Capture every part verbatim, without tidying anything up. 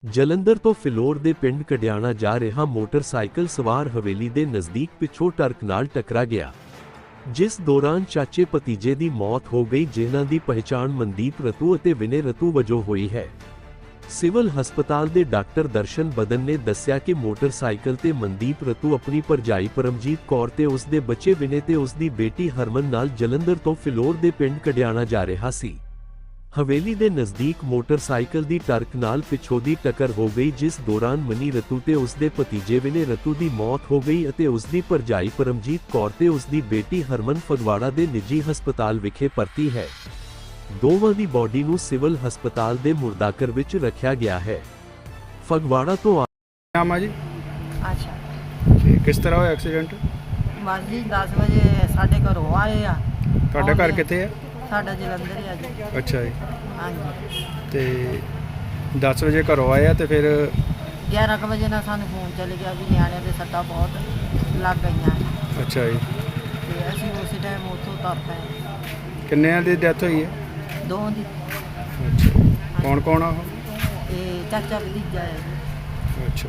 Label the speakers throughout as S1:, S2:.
S1: ਜਲੰਧਰ ਤੋਂ ਫਿਲੌਰ ਦੇ ਪਿੰਡ ਕਡਿਆਣਾ ਜਾ ਰਿਹਾ ਮੋਟਰਸਾਈਕਲ ਸਵਾਰ ਹਵੇਲੀ ਦੇ ਨਜ਼ਦੀਕ ਪਿੱਛੋਂ ਟਰੱਕ ਨਾਲ ਟਕਰਾ ਗਿਆ, ਜਿਸ ਦੌਰਾਨ ਚਾਚੇ ਭਤੀਜੇ ਦੀ ਮੌਤ ਹੋ ਗਈ, ਜਿਨ੍ਹਾਂ ਦੀ ਪਹਿਚਾਣ ਮਨਦੀਪ ਰਤੂ ਅਤੇ ਵਿਨੇ ਰਤੂ ਵਜੋਂ ਹੋਈ ਹੈ। ਸਿਵਲ ਹਸਪਤਾਲ ਦੇ ਡਾਕਟਰ ਦਰਸ਼ਨ ਬਦਨ ਨੇ ਦੱਸਿਆ ਕਿ ਮੋਟਰਸਾਈਕਲ ਤੇ ਮਨਦੀਪ ਰਤੂ ਆਪਣੀ ਭਰਜਾਈ ਪਰਮਜੀਤ ਕੌਰ ਤੇ ਉਸ ਦੇ ਬੱਚੇ ਵਿਨੇ ਤੇ ਉਸ ਦੀ ਬੇਟੀ ਹਰਮਨ ਨਾਲ ਜਲੰਧਰ ਤੋਂ ਫਿਲੌਰ ਦੇ ਪਿੰਡ ਕਡਿਆਣਾ ਜਾ ਰਿਹਾ ਸੀ। ਹਵੇਲੀ ਦੇ ਨਜ਼ਦੀਕ ਮੋਟਰਸਾਈਕਲ ਦੀ ਟਰੱਕ ਨਾਲ ਪਿੱਛੋਂ ਦੀ ਟੱਕਰ ਹੋ ਗਈ, ਜਿਸ ਦੌਰਾਨ ਮਨੀ ਰਤੂ ਤੇ ਉਸ ਦੇ ਭਤੀਜੇ ਵਿਨੇ ਰਤੂ ਦੀ ਮੌਤ ਹੋ ਗਈ ਅਤੇ ਉਸ ਦੀ ਭਰਜਾਈ ਪਰਮਜੀਤ ਕੌਰ ਤੇ ਉਸ ਦੀ ਬੇਟੀ ਹਰਮਨ ਫਗਵਾੜਾ ਦੇ ਨਿੱਜੀ ਹਸਪਤਾਲ ਵਿਖੇ ਭਰਤੀ ਹੈ। ਦੋਵਾਂ ਦੀ ਬੋਡੀ ਨੂੰ ਸਿਵਲ ਹਸਪਤਾਲ ਦੇ ਮੁਰਦਾਘਰ ਵਿੱਚ ਰੱਖਿਆ ਗਿਆ ਹੈ। ਫਗਵਾੜਾ ਤੋਂ
S2: ਨਾਮ ਆ ਜੀ।
S3: ਅੱਛਾ
S2: ਤੇ ਕਿਸ ਤਰ੍ਹਾਂ ਹੋਇਆ ਐਕਸੀਡੈਂਟ?
S3: ਬਸ ਜੀ ਦਸ ਵਜੇ ਸਾਡੇ ਘਰੋਂ ਆਏ ਆ।
S2: ਤੁਹਾਡਾ ਘਰ ਕਿੱਥੇ ਹੈ?
S3: ਸਾਡਾ ਜਲੰਧਰ ਹੀ ਆ ਜੀ।
S2: ਅੱਛਾ ਜੀ।
S3: ਹਾਂਜੀ
S2: ਤੇ ਦਸ ਵਜੇ ਘਰੋਂ ਆਏ ਆ ਤੇ ਫਿਰ
S3: ਗਿਆਰਾਂ ਕੁ ਵਜੇ ਨਾਲ ਸਾਨੂੰ ਫੋਨ ਚੱਲ ਗਿਆ ਵੀ ਨਿਆਣਿਆਂ ਦੇ ਸੱਟਾਂ ਬਹੁਤ ਲੱਗ ਗਈਆਂ
S2: ਅੱਛਾ ਜੀ।
S3: ਤੇ ਅਸੀਂ ਉਸੇ ਟਾਈਮ ਉੱਥੋਂ ਤੁਰ ਪਏ।
S2: ਕਿੰਨਿਆਂ ਦੀ ਡੈਥ ਹੋਈ ਹੈ?
S3: ਦੋ ਦੀ।
S2: ਅੱਛਾ। ਕੌਣ ਕੌਣ ਆ ਉਹ?
S3: ਇਹ ਚਾਚਾ ਭਤੀਜਾ ਹੈ ਜੀ।
S2: ਅੱਛਾ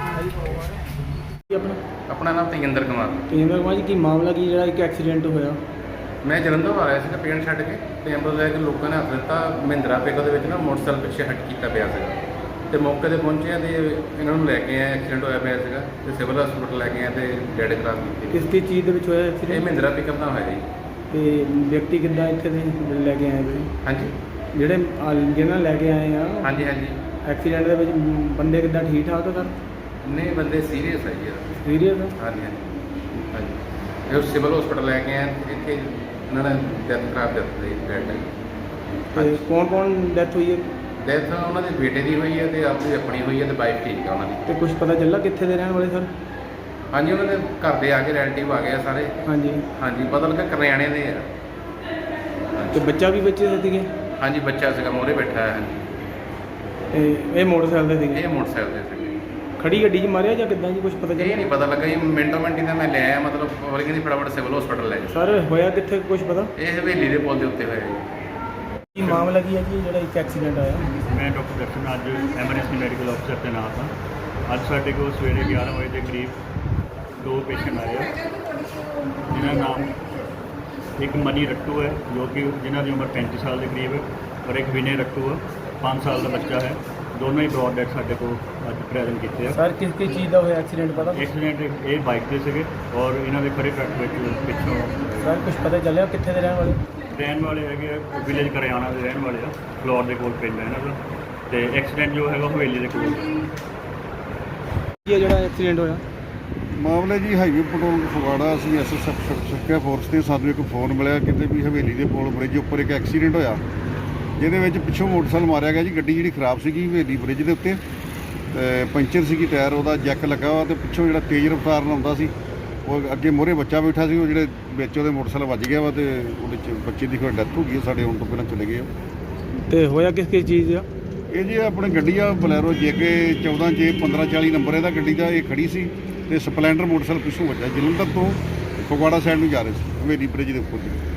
S2: ਜੀ।
S4: ਆਪਣਾ
S5: ਆਪਣਾ ਨਾਮ ਤੇਜਿੰਦਰ ਕੁਮਾਰ।
S4: ਤੇਜਿੰਦਰ ਕੁਮਾਰ ਜੀ, ਕੀ ਮਾਮਲਾ ਕੀ ਜਿਹੜਾ ਇੱਕ ਐਕਸੀਡੈਂਟ ਹੋਇਆ?
S5: ਮੈਂ ਜਲੰਧਰ ਆ ਰਿਹਾ ਸੀਗਾ ਪਿੰਡ ਛੱਡ ਕੇ, ਤੇ ਐਂਬੂਲੈਂਸ ਲੈ ਕੇ ਲੋਕਾਂ ਨੇ ਹੱਥ ਦਿੱਤਾ। ਮਹਿੰਦਰਾ ਪਿਕ ਦੇ ਵਿੱਚ ਨਾ ਮੋਟਰਸਾਈਕਲ ਪਿੱਛੇ ਹਟ ਕੀਤਾ ਪਿਆ ਸੀਗਾ, ਤੇ ਮੌਕੇ 'ਤੇ ਪਹੁੰਚੇ ਆ ਤੇ ਇਹਨਾਂ ਨੂੰ ਲੈ ਕੇ ਆਏ। ਐਕਸੀਡੈਂਟ ਹੋਇਆ ਪਿਆ ਸੀਗਾ ਤੇ ਸਿਵਲ ਹਸਪਤਾਲ ਲੈ ਕੇ ਆਏ ਤੇ ਡੈਡ ਕਰਾਰ ਕੀਤੀ।
S4: ਕਿਸ ਕਿਸ ਚੀਜ਼ ਦੇ ਵਿੱਚ ਹੋਇਆ
S5: ਇਹ
S4: ਐਕਸੀਡੈਂਟ?
S5: ਮਹਿੰਦਰਾ ਪਿਕਅਪ ਦਾ ਹੋਇਆ ਜੀ।
S4: ਤੇ ਵਿਅਕਤੀ ਕਿੱਦਾਂ ਇੱਥੇ ਦੇ ਲੈ ਕੇ ਆਏ ਜੀ?
S5: ਹਾਂਜੀ
S4: ਜਿਹੜੇ ਆ- ਜਿਹਨਾਂ ਲੈ ਕੇ ਆਏ ਆ
S5: ਹਾਂਜੀ ਹਾਂਜੀ।
S4: ਐਕਸੀਡੈਂਟ ਦੇ ਵਿੱਚ ਬੰਦੇ ਕਿੱਦਾਂ ਠੀਕ ਠਾਕ ਆ ਸਰ?
S5: ਨਹੀਂ, ਬੰਦੇ ਸੀਰੀਅਸ ਹੈ ਜੀ ਇਹਦਾ।
S4: ਸੀਰੀਅਸ ਆ?
S5: ਹਾਂਜੀ ਹਾਂਜੀ ਹਾਂਜੀ। ਇਹ ਸਿਵਲ ਹਸਪਤਾਲ ਲੈ ਕੇ ਆਏ, ਇੱਥੇ ਇਹਨਾਂ ਨੇ ਡੈਥ ਕਰਾਰ ਦਿੱਤੀ ਡੈਡ ਨੇ।
S4: ਤੇ ਕੌਣ ਕੌਣ ਡੈਥ ਹੋਈ ਹੈ?
S5: ਡੈਥ ਉਹਨਾਂ ਦੇ ਬੇਟੇ ਦੀ ਹੋਈ ਹੈ ਤੇ ਆਪਣੀ ਆਪਣੀ ਹੋਈ ਹੈ, ਤੇ ਵਾਈਫ ਠੀਕ ਆ ਉਹਨਾਂ ਦੀ।
S4: ਤੇ ਕੁਝ ਪਤਾ ਚੱਲਾ ਕਿੱਥੇ ਦੇ ਰਹਿਣ ਵਾਲੇ ਸਰ?
S5: ਹਾਂਜੀ, ਉਹਨਾਂ ਦੇ ਘਰ ਦੇ ਆ ਕੇ ਰਿਲੇਟਿਵ ਆ ਗਏ ਆ ਸਾਰੇ।
S4: ਹਾਂਜੀ।
S5: ਹਾਂਜੀ, ਪਤਾ ਲੱਗਾ ਕਰਿਆਣੇ ਦੇ ਆ।
S4: ਤੇ ਬੱਚਾ ਵੀ ਬੱਚੇ ਦੇ ਸੀਗੇ?
S5: ਹਾਂਜੀ, ਬੱਚਾ ਸੀਗਾ ਮੋਹਰੇ ਬੈਠਾ ਹੈ। ਹਾਂਜੀ,
S4: ਤੇ ਇਹ ਮੋਟਰਸਾਈਕਲ ਦੇ ਸੀਗੇ?
S5: ਇਹ ਮੋਟਰਸਾਈਕਲ ਦੇ ਸੀਗੇ।
S4: ਖੜੀ ਗੱਡੀ 'ਚ ਮਾਰਿਆ ਜਾਂ ਕਿੱਦਾਂ ਜੀ, ਕੁਝ ਪਤਾ
S5: ਇਹ
S4: ਚੱਲਿਆ?
S5: ਨਹੀਂ ਪਤਾ ਲੱਗਾ ਜੀ, ਮਿੰਟੋ ਮਿੰਟ ਹੀ ਤਾਂ ਮੈਂ ਲੈ ਆਇਆ, ਮਤਲਬ ਹੋਰ ਕਹਿੰਦੀ ਫਟਾਫਟ ਸਿਵਲ ਹਸਪਤਾਲ ਲੈ ਜਾ।
S4: ਸਰ ਹੋਇਆ ਕਿੱਥੇ ਕੁਝ ਪਤਾ?
S5: ਇਹ ਹਵੇਲੀ ਦੇ ਪੁਲ ਦੇ ਉੱਤੇ ਹੋਇਆ ਜੀ।
S4: ਕੀ ਮਾਮਲਾ ਕੀ ਹੈ ਜੀ ਜਿਹੜਾ ਇੱਕ ਐਕਸੀਡੈਂਟ ਆਇਆ?
S6: ਮੈਂ ਡਾਕਟਰ ਦਰਸ਼ਨ ਅੱਜ ਐਮਰਜੈਂਸੀ ਮੈਡੀਕਲ ਅਫਸਰ ਤੈਨਾਤ ਹਾਂ। ਅੱਜ ਸਾਡੇ ਕੋਲ ਸਵੇਰੇ ਗਿਆਰਾਂ ਵਜੇ ਦੇ ਕਰੀਬ ਦੋ ਪੇਸ਼ੈਂਟ ਆਏ ਆ, ਜਿਨ੍ਹਾਂ ਦਾ ਨਾਮ ਇੱਕ ਮਨੀ ਰੱਟੂ ਹੈ, ਜੋ ਕਿ ਜਿਨ੍ਹਾਂ ਦੀ ਉਮਰ ਪੈਂਤੀ ਸਾਲ ਦੇ ਕਰੀਬ ਹੈ, ਔਰ ਇੱਕ ਵਿਨੇ ਰੱਟੂ ਹੈ, ਪੰਜ ਸਾਲ ਦਾ ਬੱਚਾ ਹੈ। ਦੋਨੋਂ ਹੀ ਬਰੋਡ ਡੈਡ ਸਾਡੇ ਕੋਲ ਅੱਜ ਪ੍ਰੈਜ਼ੈਂਟ ਕੀਤੇ ਆ।
S4: ਸਰ ਕਿਸ ਕਿਸ ਚੀਜ਼ ਦਾ ਹੋਇਆ ਐਕਸੀਡੈਂਟ ਪਤਾ?
S6: ਐਕਸੀਡੈਂਟ ਇਹ ਬਾਈਕ ਤੇ ਸੀਗੇ ਔਰ ਇਹਨਾਂ ਦੇ ਖੜੇ ਟਰੱਕ ਵਿੱਚ ਪਿੱਛੋਂ
S4: ਸਰ ਕੁਝ ਪਤਾ ਚੱਲਿਆ ਕਿੱਥੇ ਦੇ ਰਹਿਣ ਵਾਲੇ?
S6: ਰਹਿਣ ਵਾਲੇ ਹੈਗੇ ਆ, ਵਿਲੇਜ ਕਰਿਆਣਾ ਦੇ ਰਹਿਣ ਵਾਲੇ ਆ, ਫਲੋਰ ਦੇ ਕੋਲ ਪਿੰਡ ਹੈ ਇਹਨਾਂ ਦਾ। ਤੇ ਐਕਸੀਡੈਂਟ ਜੋ ਹੈਗਾ ਹਵੇਲੀ ਦੇ ਕੋਲ।
S4: ਕੀ ਹੈ ਜਿਹੜਾ ਐਕਸੀਡੈਂਟ ਹੋਇਆ?
S7: ਮਾਮਲੇ ਜੀ ਹਾਈਵੇ ਪੈਟਰੋਲ ਫਗਵਾੜਾ, ਅਸੀਂ ਐਸ ਐਸ ਐਫ ਸੁਰੱਖਿਆ ਫੋਰਸ ਤੇ ਸਾਨੂੰ ਇੱਕ ਫੋਨ ਮਿਲਿਆ ਕਿਤੇ ਵੀ ਹਵੇਲੀ ਦੇ ਪੁਲ ਬ੍ਰਿਜ ਉੱਪਰ ਇੱਕ ਐਕਸੀਡੈਂਟ ਹੋਇਆ, ਜਿਹਦੇ ਵਿੱਚ ਪਿੱਛੋਂ ਮੋਟਰਸਾਈਕਲ ਮਾਰਿਆ ਗਿਆ ਜੀ। ਗੱਡੀ ਜਿਹੜੀ ਖਰਾਬ ਸੀਗੀ ਹਵੇਲੀ ਬ੍ਰਿਜ ਦੇ ਉੱਤੇ, ਤੇ ਪੰਚਰ ਸੀਗੀ, ਟਾਇਰ ਉਹਦਾ ਜੈਕ ਲੱਗਾ ਵਾ, ਤੇ ਪਿੱਛੋਂ ਜਿਹੜਾ ਤੇਜ਼ ਰਫ਼ਤਾਰ ਨਾਲ ਆਉਂਦਾ ਸੀ, ਉਹ ਅੱਗੇ ਮੋਹਰੇ ਬੱਚਾ ਬੈਠਾ ਸੀ, ਉਹ ਜਿਹੜੇ ਵਿੱਚ ਉਹਦੇ ਮੋਟਰਸਾਈਕਲ ਵੱਜ ਗਿਆ ਵਾ, ਤੇ ਉਹਦੇ 'ਚ ਬੱਚੇ ਦੀ ਫਿਰ ਡੈਥ ਹੋ ਗਈ। ਸਾਡੇ ਆਉਣ ਤੋਂ ਪਹਿਲਾਂ ਚਲੇ ਗਏ ਉਹ।
S4: ਤੇ ਹੋਇਆ ਕਿਸ ਕਿਸ ਚੀਜ਼ ਦਾ?
S7: ਇਹ ਜੀ ਆਪਣੀ ਗੱਡੀ ਆ ਬਲੈਰੋ ਜੇ ਕੇ ਚੌਦਾਂ ਜੇ ਪੰਦਰਾਂ ਚਾਲੀ ਨੰਬਰ ਇਹਦਾ ਗੱਡੀ ਦਾ, ਇਹ ਖੜੀ ਸੀ ਤੇ ਸਪਲੈਂਡਰ ਮੋਟਰਸਾਈਕਲ ਪਿੱਛੋਂ ਵੱਜਾ। ਜਲੰਧਰ ਤੋਂ ਫਗਵਾੜਾ ਸਾਈਡ ਨੂੰ ਜਾ ਰਹੇ ਸੀ, ਹਵੇਲੀ ਬ੍ਰਿਜ ਦੇ ਉੱਪਰ ਦੀ।